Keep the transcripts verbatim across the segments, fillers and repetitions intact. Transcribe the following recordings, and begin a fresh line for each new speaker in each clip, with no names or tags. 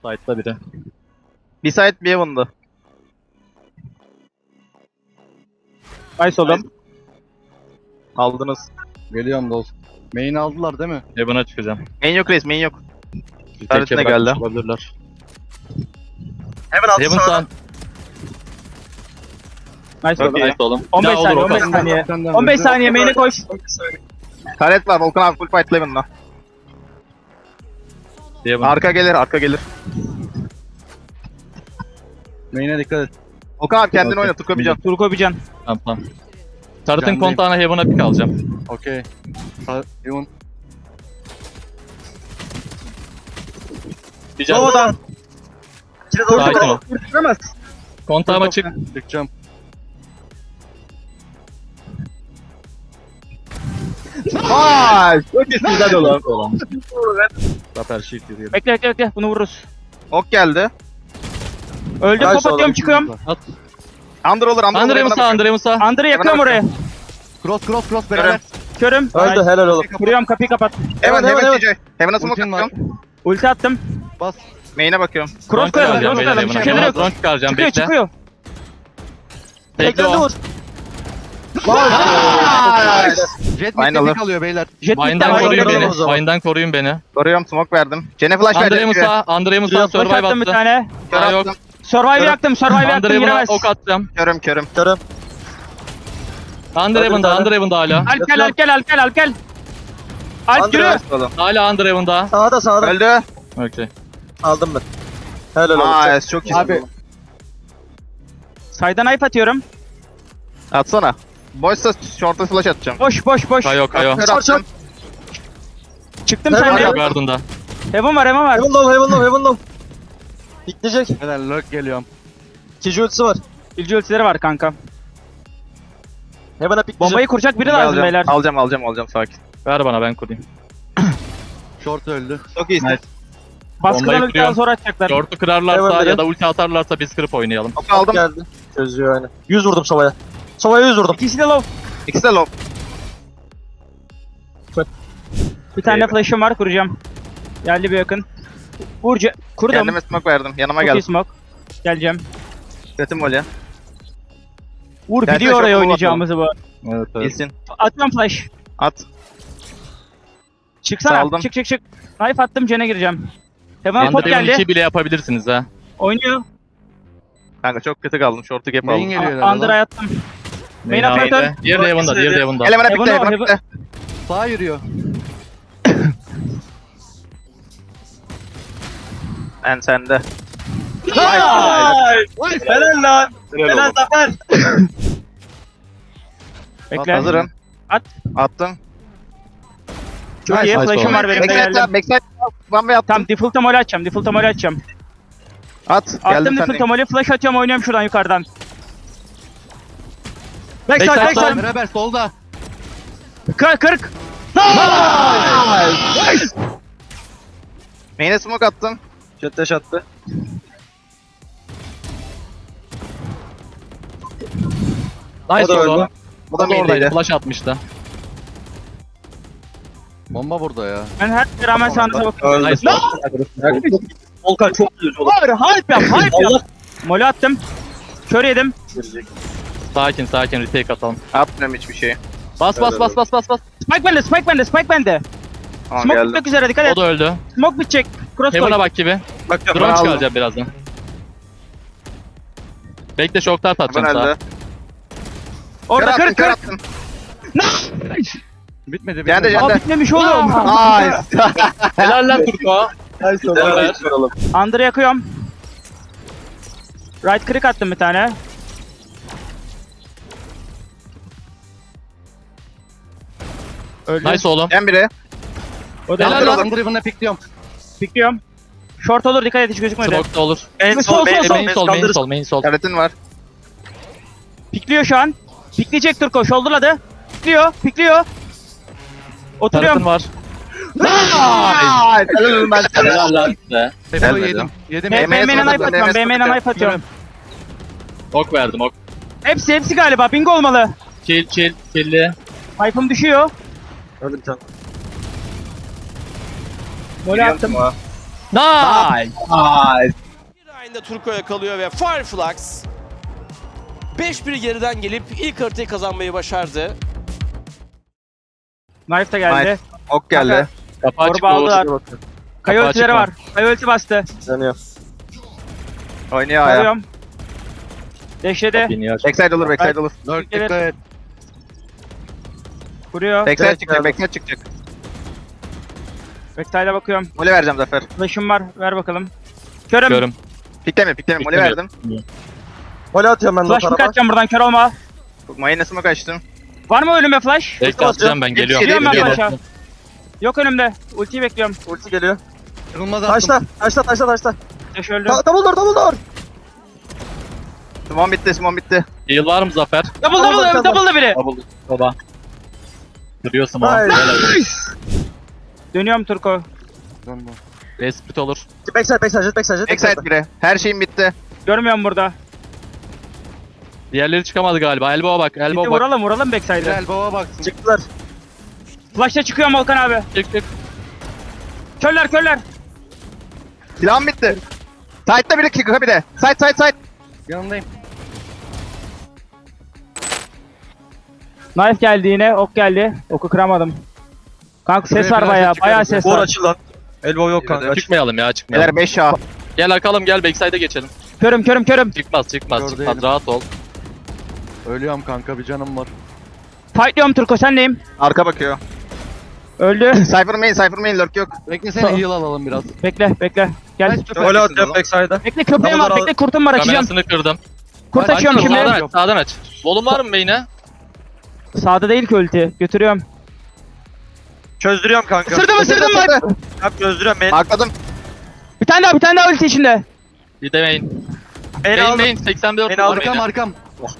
Side'da biri.
Bir side bir Heaven'dı.
Nice oğlum.
Aldınız.
Geliyorum dost. Main aldılar değil mi?
Heaven'a çıkacağım.
Main yok reis, main yok.
Bir
Taretine
teke bırakmış
geldi.
olabilirler.
Heaven altı
Heaven sağ.
Nice oğlum.
Okey.
Nice oğlum.
on beş
Bir daha
saniye,
olur
on beş
Okan.
saniye.
Senden
on beş
önce-
saniye main'e koş.
Taret var, Volkan abi full fight Heaven'la.
Heaven.
Arka gelir, arka gelir.
Main'e dikkat et.
Volkan abi kendini
Okey.
oyna, Turko Bican.
Turko Bican.
Tamam tamam. Tarıt'ın
Candayım.
kontağına Heaven'a pick alacağım.
Okey. Ha- Yun.
Bir can.
Doğudan.
Sakin ol.
Kurtulamaz.
Kontağıma çık.
Çıkacağım.
Vay! Çok iyisin güzel oğlum.
Zafer shift yürüyelim.
Bekle bekle bekle. Bunu vururuz.
Ok geldi.
Öldüm,
Nice
top atıyorum,
oğlum.
çıkıyorum.
At.
Under olur, under olur.
Andre
Heaven'a
Musa,
bakıyorum.
Andre Musa.
Andır'ı yakıyorum
Heaven'a
oraya.
Cross cross cross beraber.
Körüm.
Öldü,
Nice.
helal oğlum.
Kuruyorum, kapıyı kapat.
Heaven,
Heaven,
Heaven, T J. Heaven'a smoke
Ultim var.
atıyorum.
Ulti attım.
Bas.
Main'e bakıyorum.
Cross
Drone
koyalım,
çıkaracağım
cross
beyler
koyalım. Bir
Heaven'a.
şeyler
Heaven'a
yok.
drone çıkaracağım
Çıkıyor,
bekle.
çıkıyor.
Bekle o.
Jet
Aynen
mid'de
lan.
pick alıyor beyler.
Jet
Vine'dan
mid'den
koruyun
ayrıldım
beni.
o zaman.
Vine'dan koruyun beni.
Koruyorum, smoke verdim. Cene flash
Andre
verdim.
Musa, Andre Musa
Flash
survive
attım bir
attı.
tane.
Kör
Daha yok.
attım.
Survive yaktım, survive
Andre
yaktım,
Heaven'a
giremez.
ok atacağım.
Körüm, körüm.
Andre Heaven'da, Andre Heaven'da hala.
Alp gel, Alp gel, Alp gel, Alp gel. Alp yürü.
Hala Andre Heaven'da.
Sağda sağda.
Öldü.
Okey.
Aldım ben. Helal olsun.
Nice, çok iyisin.
Abi.
Saydan knife atıyorum.
Atsana. Boşsa short'a flash atacağım.
Boş, boş, boş.
Kayo kayo.
Kör attım.
Çıktım
Heaven
sen
Kayo
de.
Garden'da.
Heaven var, Heaven var.
Heaven low, heaven low, heaven low. Bitleyecek.
Beyler lurk geliyorum.
İkinci ultisi var.
İlci ultileri var kanka.
Heaven'a pikleyecek.
Bombayı kuracak biri
Alacağım,
lazım beyler.
Alacağım, alacağım, alacağım, sakin.
Ver bana ben kurayım.
Short öldü.
Çok iyisin.
Nice.
Baskıdan
Bombayı
ultiden
kuruyorum.
sonra atacaklar.
Short'u kırarlarsa
Heaven
ya da ulti atarlarsa biz kırıp oynayalım.
Ok aldım.
Geldi. Çözüyor aynı. yüz vurdum Sova'ya. Sova'ya yüz vurdum.
İkisi de low.
İkisi de low.
Bir tane de
Eyvah.
flash'ım var, kuracağım. Geldi bir yakın. Vurca. Kurdum.
Kendime smoke verdim. Yanıma
Çok iyi
geldi.
smoke. Geleceğim.
Setim volya.
Vur,
Gelsene,
biliyor oraya
çok
oynayacağımızı bu.
Evet
İyisin.
Atıyorum flash.
At.
Çıksana.
Saldım.
Çık çık çık. Knife attım, Cen'e gireceğim. Heaven'a top
Andre Heaven
geldi.
iki bile yapabilirsiniz ha.
Oynuyor.
Kanka çok kötü kaldım. Short'u gap
Main
aldım.
geliyor herhalde.
Under'a yattım. Main
Main'de.
operatör.
Diğeri de Heaven'da, diğeri de Heaven'da.
Elemana
Heaven
bitti,
o,
Heaven'a
Heaven-
bitti.
Sağa yürüyor.
En sende.
Helal lan. Helal Zafer.
Bekle.
Hazırım.
At.
Attım.
Çok iyi.
Nice
Flash'ım
oğlum.
var benim de
Backside
geldim.
yap, backside yap. One way attım.
Tamam, default'a mole açacağım. Default'a mole açacağım.
At.
Attım
Geldim
default'a
sen.
mole, flash atıyorum, oynuyorum şuradan yukarıdan.
Backside,
Backside,
backside.
Beraber solda.
Kırk kırk.
Main'e smoke attım.
Jet dash attı.
Nice
O da
oğlum.
öldü.
Bu da
O da oradaydı.
main'deydi.
Flash atmıştı.
Bomba burada ya.
Ben her şeye rağmen sağınıza bakıyorum.
Nice.
Volkan çok güzel oğlum.
Hayır, hype yap, hype yap. Mole attım. Kör yedim.
Sakin sakin retake atalım.
Atmıyorum hiçbir şey.
Bas bas bas bas bas bas.
Spike bende, spike bende, spike bende.
Tamam
Smoke
geldim.
bitmek üzere, dikkat
O
et.
da öldü.
Smoke bitecek. Cross
Heaven'a
koy.
bak gibi.
Bakıyorum.
Drone
ben aldım.
çıkaracağım birazdan. Bekle şoktar
Ben
atacağım
öldü.
sağa.
Orada
Kör
kırk
attım, kör
kırk.
attım.
Bitmedi bitmedi.
Geldi, geldi.
Aa, bitmemiş oğlum.
Nice.
Helal lan Turko.
Nice oğlum.
Under'ı yakıyorum. Right click attım bir tane. Öldü.
Nice oğlum.
En biri.
O da
Helal
öldü.
lan.
Under Heaven'a pickliyorum.
Pikliyorum. Short olur, dikkat et, hiç gözükmedi.
Smoke da olur.
En
Sol,
sol,
sol,
en
sol.
sol.
Main sol, main sol, main sol.
Karetin var.
Pikliyor şu an. Pikleyecek Turko, shoulderladı. Pikliyor, pikliyor.
Tarıtın
Oturuyorum.
var.
Nice. Helal olsun ben sana.
Helal lan size.
Tepelo
Gelmedi.
yedim. Yedim.
B-
M M'ye
BM'den
sokacağım,
knife atıyorum,
M M'ye
BM'den
sokacağım.
knife atıyorum.
Ok verdim ok.
Hepsi, hepsi galiba, bingo olmalı.
Chill chill chill'li.
Knife'ım düşüyor.
Öldü bir tane.
Mole attım.
Nice.
Nice.
Bir ayında Turko'ya kalıyor ve Fireflux beş bir geriden gelip ilk haritayı kazanmayı başardı.
Knife de geldi.
Nice. Ok geldi.
Kapı açık
Torba
Uğur.
aldılar. Kaya
Kapı
ultileri
açık
var. Kaya ulti bastı.
Dönüyor.
Oynuyor aya.
Alıyorum. Deşledi.
Biniyor.
Backside olur, backside olur.
Lurk
Gelir.
dikkat et.
Vuruyor.
Backside
Evet,
çıkacak,
geldim.
backside çıkacak.
Backside'a bakıyorum.
Mole vereceğim Zafer.
Flash'ım var. Ver bakalım. Körüm.
Görüm.
Pikleme, pikleme. Mole
Piklemiyor.
verdim.
Gol atıyorum ben de o
Flash mı
tarafa.
kaçacağım buradan? Kör olma.
Mayonezime kaçtım.
Var mı önüme flash?
Bekle atacağım ben geliyorum.
Geliyorum ben
Geliyorum.
flash'a. Yok önümde. Ultiyi bekliyorum.
Ulti geliyor.
Kırılmaz attım.
Taşla, taşla, taşla, taşla.
Flash öldü.
Ta double door, double door.
Simon bitti, Simon bitti.
Heal var mı Zafer?
Double
Double,
double
double.
double da biri.
Double. Baba. Duruyorsun ama.
Nice.
Dönüyorum Turko.
Respit olur.
Backside, backside, jet backside, jet
Backside
backside.
bire. Her şeyim bitti.
Görmüyorum burada.
Diğerleri çıkamadı galiba. Elbow'a bak.
Bitti
Elbow bak.
vuralım vuralım
Bir
backside'e.
elbow'a baksın.
Çıktılar.
Flash'ta çıkıyorum Volkan abi.
Çık çık.
Körler körler.
Silahım bitti. Side'da biri, kika bir de. Side, side, side.
Yanındayım.
Knife geldi yine. Ok geldi. Oku kıramadım. Kanka ses
Şuraya
var
biraz
bayağı.
çıkarım.
Bayağı ses
Vur
var.
açıl lan. Elbow yok kanka. Aç.
Çıkmayalım ya çıkmayalım.
Beyler beş A.
Gel akalım gel backside'e geçelim.
Körüm körüm körüm.
Çıkmaz çıkmaz
Gör
çıkmaz
değilim.
rahat ol.
Ölüyorum kanka, bir canım var.
Fightlıyorum Turko sendeyim.
Arka bakıyor.
Öldü.
Cypher main, Cypher main lurk yok.
Beklesene, heal alalım biraz.
Bekle bekle. Gel.
Kaç
Gol atıyorum backside'a.
Bekle köpeğim
Double
var.
door
Bekle kurtum var açacağım.
Kamerasını kırdım.
Kurt
Kaç
açıyorum
kurt
şimdi.
Sağdan aç sağdan aç. Volum var mı beyine?
Sağda değil ki ulti. Götürüyorum.
Çözdürüyorum kanka.
Isırdım ısırdım bak.
Yap çözdürüyorum. Main.
Arkladım.
Bir tane daha bir tane daha ulti içinde.
Bir de main.
Main
Main
aldım.
main seksen dört
Beni
var
aldım.
Arkam
main'e.
arkam.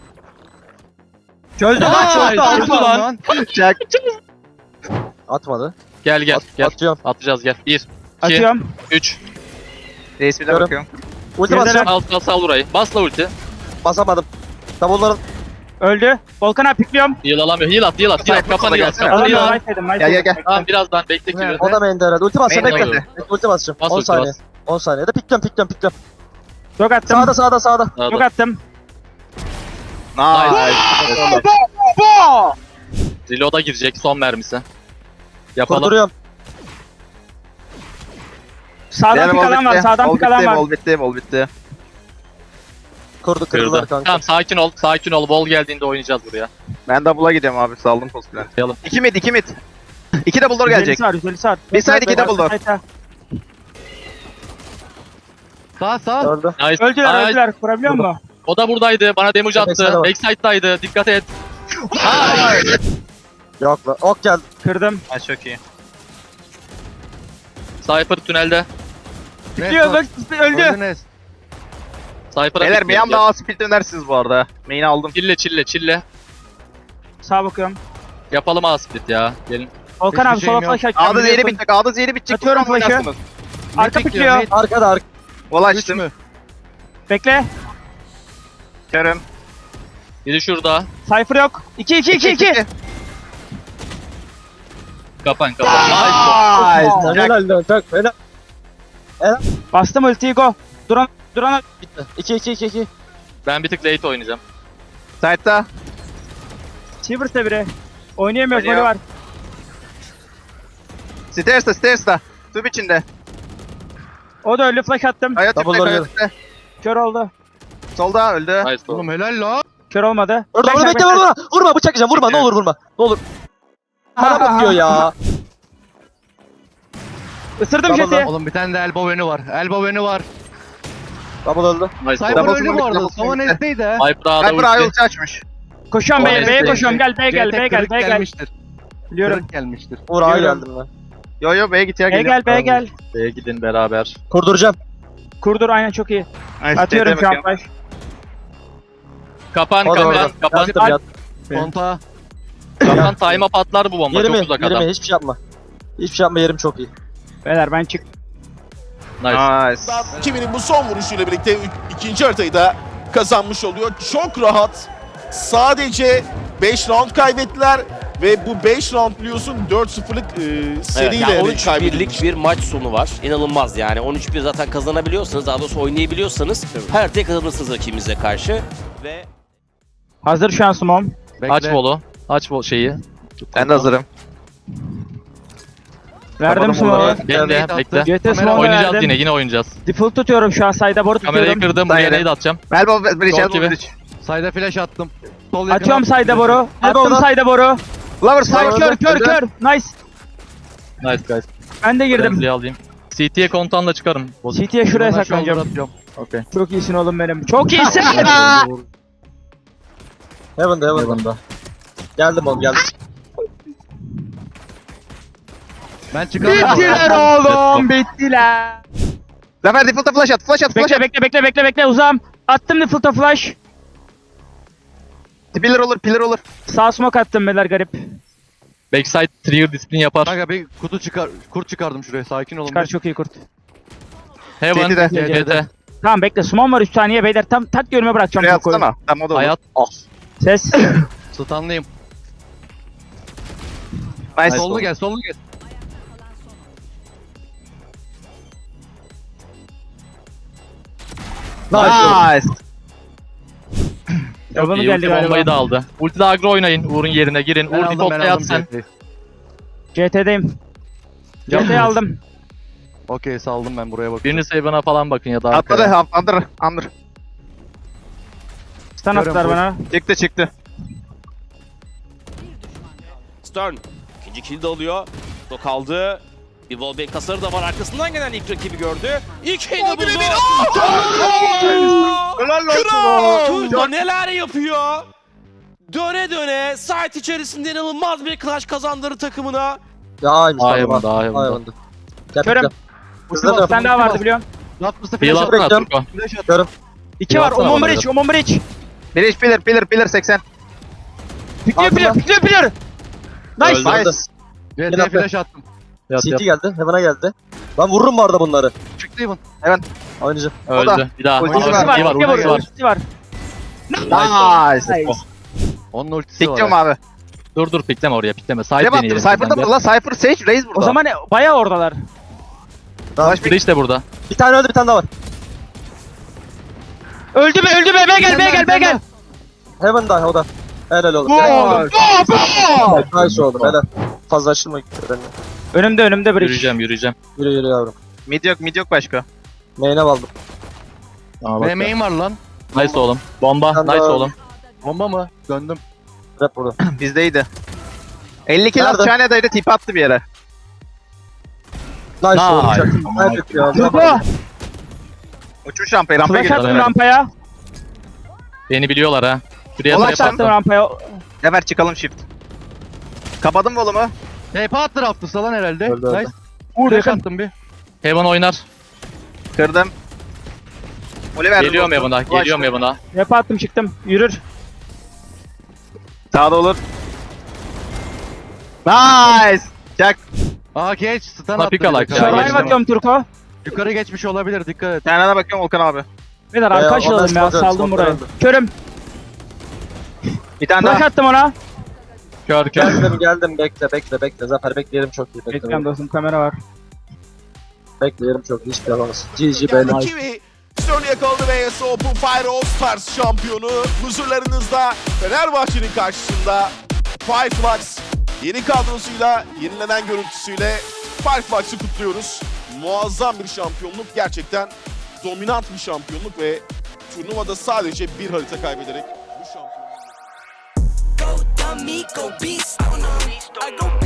Çözdüm lan,
Aa,
çözdüm.
aldım
Aldım
lan.
lan.
Çak.
Atmadı.
Gel gel
At,
gel.
Atıyorum.
Atacağız gel. bir, iki,
Atıyorum.
üç.
Reis bir de
Görüm.
bakıyorum.
Ulti
Geride
basacağım.
Al al sal burayı. Basla ulti.
Basamadım. Double'ların.
Öldü. Volkan abi pikliyorum.
Heal alamıyor. Heal at heal at. Heal at.
Cypher
Kafanı
sola
heal at.
gelsene.
Kafanı heal
Alamıyorum.
at.
Knife yedim. knife
Gel, gel,
yedim.
gel.
Tamam birazdan bekle kilo.
O da main'de herhalde. Ulti basacağım.
Main
Bekle.
oynadı.
Bekle, ulti basacağım.
Bas
on
ulti,
saniye.
bas.
on saniyede pikliyorum, pikliyorum, pikliyorum.
Yok attım.
Sağda, sağda, sağda.
Sağda.
Yok attım.
Nice.
Reload'a girecek son mermisi. Yapalım.
Kurduruyorum.
Sağdan
Diğer
pik
wall
alan var.
bitti.
Sağdan
Wall
pik alan
bitti,
var.
wall bitti, wall bitti.
Kurdu, kırdılar
Kırdı.
kanka.
Tamam sakin ol. Sakin ol. Wall geldiğinde oynayacağız buraya.
Ben double'a gidiyorum abi, saldım postplan.
Yapalım.
İki mid, iki mid. İki double door gelecek.
yüz elli var. yüz elli var.
Bir side, iki double door.
Sağ sağ.
Öldü.
Nice.
Öldüler
Nice.
öldüler. Kurabiliyor musun?
O da buradaydı. Bana damage
Backside'e
attı.
bak.
Backside'daydı. Dikkat et.
Yok lan. Ok geldi.
Kırdım.
Ha çok iyi.
Cypher tünelde.
Diyor bak öldü.
Öldünüz.
Cypher'a
Beyler bir
bekliyorum.
anda A split dönersiniz bu arada. Main'i aldım.
Çille çille çille.
Sağa bakıyorum.
Yapalım A split ya. Gelin.
Volkan
Hiçbir
abi sola
şeyim yok.
flash açacağım.
A'da zehri
biliyorsun.
bitecek, A'da zehri bitecek.
Atıyorum
Buradan
flash'ı.
oynarsınız.
Arka
Mid
pikliyor.
bekliyor,
Arkada, arka.
Wall
mid. Üç
açtım.
mü?
Bekle.
Körüm.
Biri şurada.
Cypher yok. iki iki iki iki.
Kapan kapan. Nice.
Nice.
Helal lan. Çok helal.
Bastım ultiyi go. Duran duran
Bitti. iki iki iki iki.
Ben bir tık late oynayacağım.
Side'da.
Chiver'sa biri. Oynayamıyoruz
Oynuyor.
golü var.
Stairs'ta, stairs'ta. Tüp içinde.
O da öldü flash attım.
Kaya
Double
tüpte,
door
kaya
geldi.
tüpte.
Kör oldu.
Solda öldü.
Nice.
Oğlum helal la.
Kör olmadı.
Orada, orada bekle, vurma. Vurma, bıçak yiyeceğim. Vurma, ne olur vurma. Ne olur. Bana bakıyor ya.
Isırdım
Double
jeti.
Oğlum bir tane de elbow önü var. Elbow önü var.
Double öldü.
Nice.
Cypher
Double
öldü bu
smoke,
arada.
double
Savun
smoke.
S'teydi ha.
Cypher A'da
Cypher A
ulti.
ulti açmış.
Koşuyorum B'ye.
O
B'ye
neyse.
koşuyorum. Gel B'ye gel.
C T
B'ye gel.
kırık
B'ye gel.
gelmiştir.
Biliyorum.
Kırık gelmiştir.
Vur, A'ya
Biliyorum.
geldim ben.
Yo yo B'ye git ya,
B'ye
geliyorum.
gel. B'ye gel.
B'ye gidin beraber.
Kurduracağım.
Kurdur aynen çok iyi.
Nice,
Atıyorum
C'te
şu an
bakıyorum.
flash.
O
Kapan
da
kapan
orada.
kapan.
Yattım, yattım.
Konta.
Kapan time'a patlar bu bomba.
Yeri
Çok
mi?
uzak
Yeri
adam.
mi? Hiçbir şey yapma. Hiçbir şey yapma, yerim çok iyi.
Beyler ben çık.
Nice.
Nice.
Kimin'in bu son vuruşuyla birlikte ü- ikinci haritayı da kazanmış oluyor. Çok rahat. Sadece beş round kaybettiler Ve bu beş round biliyorsun dört sıfırlık e,
Evet,
seriyle
yani on
yani
üç
kaybedilmiş.
birlik bir maç sonu var. İnanılmaz yani. on üç bir zaten kazanabiliyorsanız, daha doğrusu oynayabiliyorsanız her haritayı kazanırsınız rakibinize karşı. Ve
Hazır şu an Smom.
Bekle.
Aç bolu. Aç bol şeyi.
Ben de hazırım.
Verdim
Kapadım
Smom'u.
onları.
Bekle
Kamera
bekle.
G T
Kamera
Smom'u
Oynayacağız
verdim.
yine yine oynayacağız.
Default tutuyorum şu an sayda boru
Kamerayı
tutuyorum.
kırdım. Buraya
Daire.
nade atacağım.
Elbow bridge,
Çok
elbow
gibi.
bridge.
Sayda flash attım. Sol yakına.
Atıyorum sayda boru. Attım
oradan.
sayda boru.
Lover
Say
side.
kör kör kör. Nice.
Nice guys.
Ben de girdim.
Girdim. alayım. C T'ye kontağınla çıkarım.
C T'ye şuraya
Bundan
saklanacağım.
shoulder atıyorum.
Okey.
Çok iyisin oğlum benim. Çok iyisin.
Heaven'da Heaven'da. Geldim oğlum geldim.
Ben çıkamıyorum.
Bittiler oğlum. Bittiler.
Zafer default'a flash at, flash at, flash
Bekle
at.
bekle bekle bekle bekle uzağım. Attım default'a flash.
Pillar olur, pillar olur.
Sağ smoke attım beyler garip.
Backside trigger disiplin yapar.
Kanka bir kutu çıkar, kurt çıkardım şuraya. Sakin olun.
Çıkar
bir.
çok iyi kurt.
Heaven.
C T'de.
C T.
Tamam bekle smoke var üç saniye beyler. Tam tak görüme bırakacağım.
Şuraya
Turko'yu.
atsana. Tamam o da olur.
Hayat.
Ses.
Stunlıyım.
Nice.
Sollu gel, sollu gel.
Nice.
Çok
Yalanı
iyi.
geldi
Ulti bombayı
galiba.
da aldı. Ultide agro oynayın. Uğur'un yerine girin.
Ben
Uğur
aldım, ben
default'ta yat
aldım.
sen.
C T'yi.
C T'deyim. C T'yi aldım.
Okey saldım ben buraya bakıyorum.
Birini Saban'a falan bakın ya da
Atladı,
arkaya.
ha- under, under.
Stun
Görüyorum,
attılar
boş.
bana.
Çıktı, çıktı.
Stern ikinci kill de alıyor. O kaldı. Bir wallbang hasarı da var. Arkasından gelen ilk rakibi gördü. İlk kill de buldu.
Helal
Kral! Turko neler yapıyor? Döne döne site içerisinde inanılmaz bir clutch kazandırır takımına.
Ya aymış
Daha
tamam.
Heaven, daha Heaven.
Heaven'da. Gel
Körüm.
bekle.
Ulti
Hızlı
bas,
dön.
Bir tane daha
ulti
vardı
bas.
biliyorum.
Latmış'ta
Heal
flash
atsana
bekliyorum.
Turko.
Flash at.
Görüm.
İki var.
Yatsana
Omon
bana
bridge. Omon bridge.
Bridge, pillar, pillar, pillar seksen.
Pikliyor
Aldım
pikliyor
ben.
pikliyor pikliyor. Nice.
Öldü.
Nice.
C
Gel
T'ye
atla.
flash attım.
Yat
C
yat.
T geldi. Heaven'a geldi. Ben vururum bu arada bunları.
Çıktı Evan.
Oynayacağım.
O da.
Öldü. Bir daha.
Ultisi
Ultisi
var,
İyi
var.
var.
Ultisi var.
Ultisi var.
Ultisi var.
Nice.
Nice.
Onun ultisi var.
Siktiyorum abi.
Dur dur pikleme oraya pikleme. Side
Ne baktım?
deneyelim.
Cypher'da mı? La Cypher Sage Raze burada.
O zaman bayağı oradalar.
Tamam.
Flash
Bridge de burada.
Bir tane öldü bir tane daha var.
Öldü mü öldü mü? Be gel be gel be gel.
Heaven'da o da. Helal oğlum.
Gol.
Helal. Nice oldu helal. Fazla açılma gitti benimle.
Önümde önümde bridge.
Yürüyeceğim yürüyeceğim.
Yürü yürü yavrum.
Mid yok, mid yok başka.
Main'e aldım.
Tamam,
Ne
bak.
main var lan?
Nice oğlum. Bomba.
Ben de-
Nice oğlum.
Bomba mı? Döndüm.
Rap burada.
Bizdeydi. elli kill
Nerede?
Çane'daydı, tip attı bir yere.
Nice
Nice.
oğlum. Çok Nice ya.
Turko.
Uçmuş rampayı, rampaya
Flash
girdi.
attım
Evet.
rampaya.
Beni biliyorlar ha. Şuraya
Ulan
trap
sen-
Attım
attım.
rampaya.
Hemen çıkalım shift. Kapadım volumu.
T P attı Raptors'a lan herhalde.
Öldü, öldü.
Nice.
Vur
Flash
yakın.
attım bir.
Heaven oynar.
Kırdım. Oliver.
Geliyorum Heaven'a. Geliyorum Heaven'a.
Rap attım çıktım. Yürür.
Sağda olur. Nice. Çak.
Aa geç. Stun
Buna
attı.
pick alak
bir de.
ya,
Yukarı
Survive
geçtim.
atıyorum Turko.
Yukarı geçmiş olabilir dikkat et.
Kendine bakıyorum Volkan abi.
Beyler
Ee,
arka
ondan
açılalım ya
smoke
saldım
smoke
burayı.
öldü.
Körüm.
Bir tane
Flash
daha.
attım ona.
Kör kör.
Geldim geldim bekle bekle bekle. Zafer bekleyelim çok iyi. Bekle,
Bekliyorum dostum kamera var.
bekleyelim çok iyi. Hiçbir şey yapamaz. G G beyler.
Kiwi Stern'i yakaladı ve E S Open Fire All Stars şampiyonu. Huzurlarınızda Fenerbahçe'nin karşısında Fireflux yeni kadrosuyla, yenilenen görüntüsüyle Fireflux'ı kutluyoruz. Muazzam bir şampiyonluk, gerçekten dominant bir şampiyonluk ve turnuvada sadece bir harita kaybederek bu şampiyonluk...
Go dummy, go beast on 'em. I go